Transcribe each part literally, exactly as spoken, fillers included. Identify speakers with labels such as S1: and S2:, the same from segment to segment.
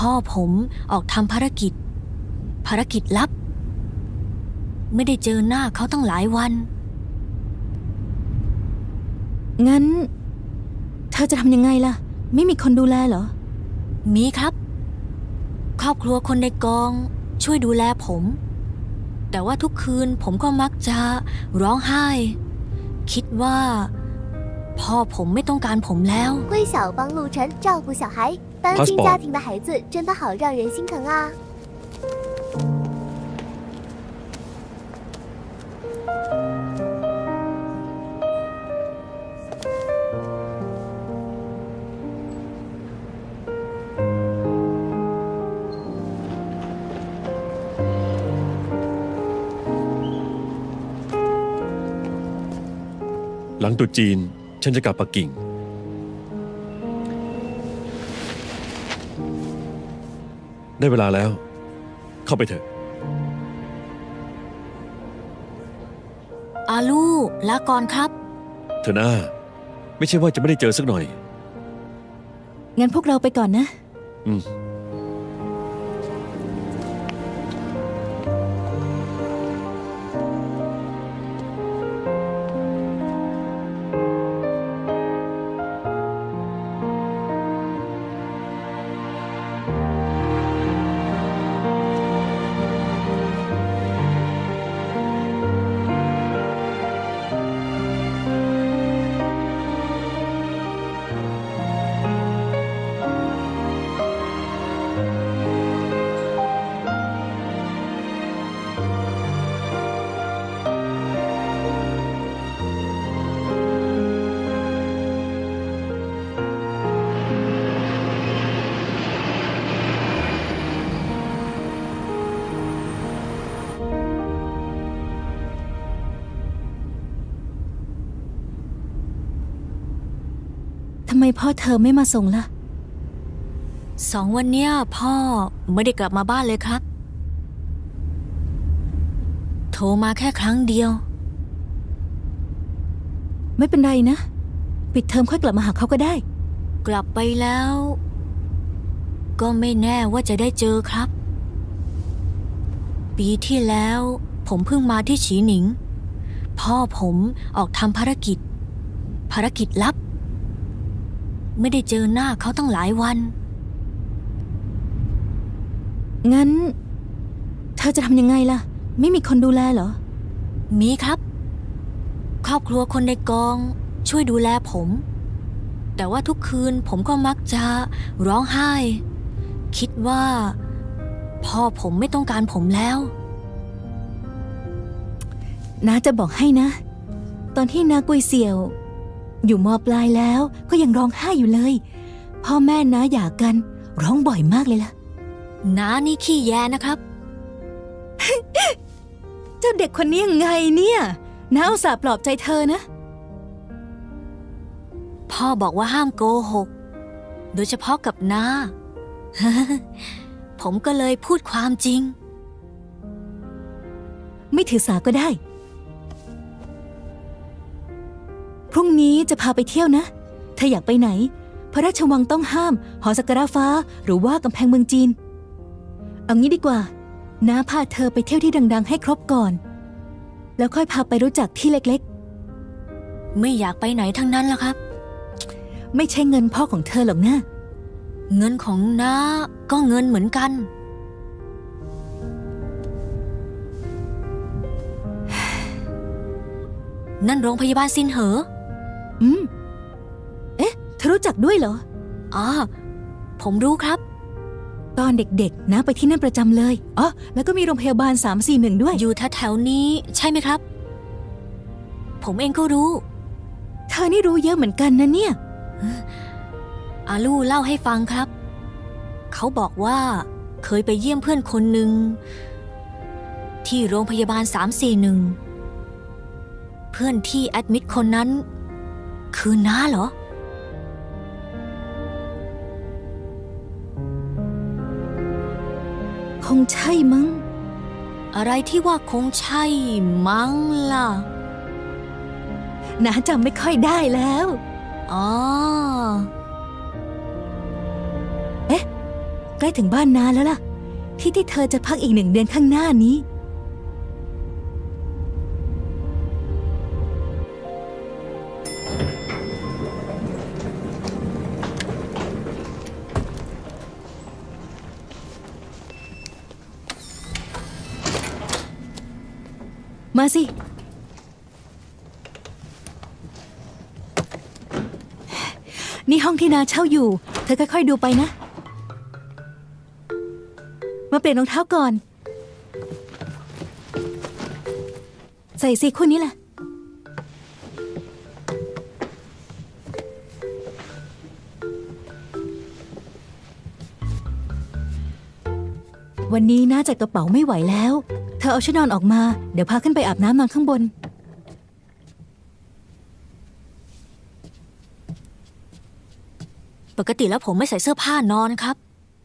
S1: พ่อผมออกทำภารกิจภารกิจลับไม่ได้เจอหน้าเขาตั้งหลายวัน
S2: งั้นเธอจะทำยังไงล่ะไม่มีคนดูแลเหรอ
S1: มีครับครอบครัวคนในกองช่วยดูแลผมแต่ว่าทุกคืนผมก็มักจะร้องไห้คิดว่าพ่อผมไม่ต้องการผมแล้ว
S3: 桂小帮陆晨照顾小孩单亲家庭的孩子真的好让人心疼啊
S4: หลังตรุษจีนฉันจะกลับปักกิ่งได้เวลาแล้วเข้าไปเถอะ
S1: อาลูลาก่อนครับ
S4: เธอหน้าไม่ใช่ว่าจะไม่ได้เจอสักหน่อย
S2: งั้นพวกเราไปก่อนนะ
S4: อืม
S2: ทำไมพ่อเธอไม่มาส่งล่ะ
S1: สองวันเนี้ยพ่อไม่ได้กลับมาบ้านเลยครับโทรมาแค่ครั้งเดียว
S2: ไม่เป็นไรนะปิดเทอมค่อยกลับมาหาเขาก็ได้
S1: กลับไปแล้วก็ไม่แน่ว่าจะได้เจอครับปีที่แล้วผมเพิ่งมาที่ฉีหนิงพ่อผมออกทำภารกิจภารกิจลับไม่ได้เจอหน้าเขาตั้งหลายวัน
S2: งั้นเธอจะทำยังไงล่ะไม่มีคนดูแลเหรอ
S1: มีครับครอบครัวคนในกองช่วยดูแลผมแต่ว่าทุกคืนผมก็มักจะร้องไห้คิดว่าพ่อผมไม่ต้องการผมแล้ว
S2: น้าจะบอกให้นะตอนที่น้ากุยเสี่ยวอยู่ม.ปลายแล้วก็ยังร้องไห้อยู่เลยพ่อแม่น้าหย่ากันร้องบ่อยมากเลยล่ะ
S1: น้านี่ขี้แยนะครับ
S2: เจ้าเด็กคนนี้ยังไงเนี่ยน้าอุตส่าห์ปลอบใจเธอนะ
S1: พ่อบอกว่าห้ามโกหกโดยเฉพาะกับน้า ผมก็เลยพูดความจริง
S2: ไม่ถือสาก็ได้พรุ่งนี้จะพาไปเที่ยวนะเธออยากไปไหนพระราชวังต้องห้ามหอสักการะฟ้าหรือว่ากำแพงเมืองจีนเอางี้ดีกว่าน้าพาเธอไปเที่ยวที่ดังๆให้ครบก่อนแล้วค่อยพาไปรู้จักที่เล็ก
S1: ๆไม่อยากไปไหนทั้งนั้นล่ะครับ
S2: ไม่ใช่เงินพ่อของเธอหรอกนะ
S1: เงินของน้าก็เงินเหมือนกันนั่นโรงพยาบาลซินเหอ
S2: อืมเอ๊ะเธอรู้จักด้วยเหรอ
S1: อ๋อผมรู้ครับ
S2: ตอนเด็กๆน้าไปที่นั่นประจำเลยอ๋อแล้วก็มีโรงพยาบาลสามสี่หนึ่งด้วย
S1: อยู่แถวๆนี้ใช่ไหมครับผมเองก็รู้
S2: เธอนี่รู้เยอะเหมือนกันนะเนี่ย
S1: อาลู่เล่าให้ฟังครับเขาบอกว่าเคยไปเยี่ยมเพื่อนคนหนึ่งที่โรงพยาบาลสามสี่หนึ่งเพื่อนที่แอดมิดคนนั้นคือน้าเหรอ
S2: คงใช่มั้ง
S1: อะไรที่ว่าคงใช่มั้งล่ะ
S2: น้าจำไม่ค่อยได้แล้ว
S1: อ๋อ
S2: เอ๊ะใกล้ถึงบ้านนาแล้วล่ะ ที่ที่เธอจะพักอีกหนึ่งเดือนข้างหน้านี้ มาสิ นี่ห้องที่นาเช่าอยู่ เธอค่อยๆดูไปนะ มาเปลี่ยนรองเท้าก่อน ใส่สิคู่นี้แหละ วันนี้น่าจัดกระเป๋าไม่ไหวแล้ว เธอเอาชุดนอนออกมา เดี๋ยวพาขึ้นไปอาบน้ำนอนข้างบน
S1: ปกติแล้วผมไม่ใส่เสื้อผ้านอนครับ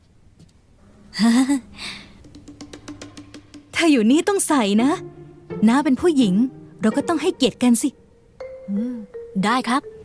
S2: เธออยู่นี่ต้องใส่นะ น้าเป็นผู้หญิง เราก็ต้องให้เกียรติกันสิ
S1: อืม ได้ครับ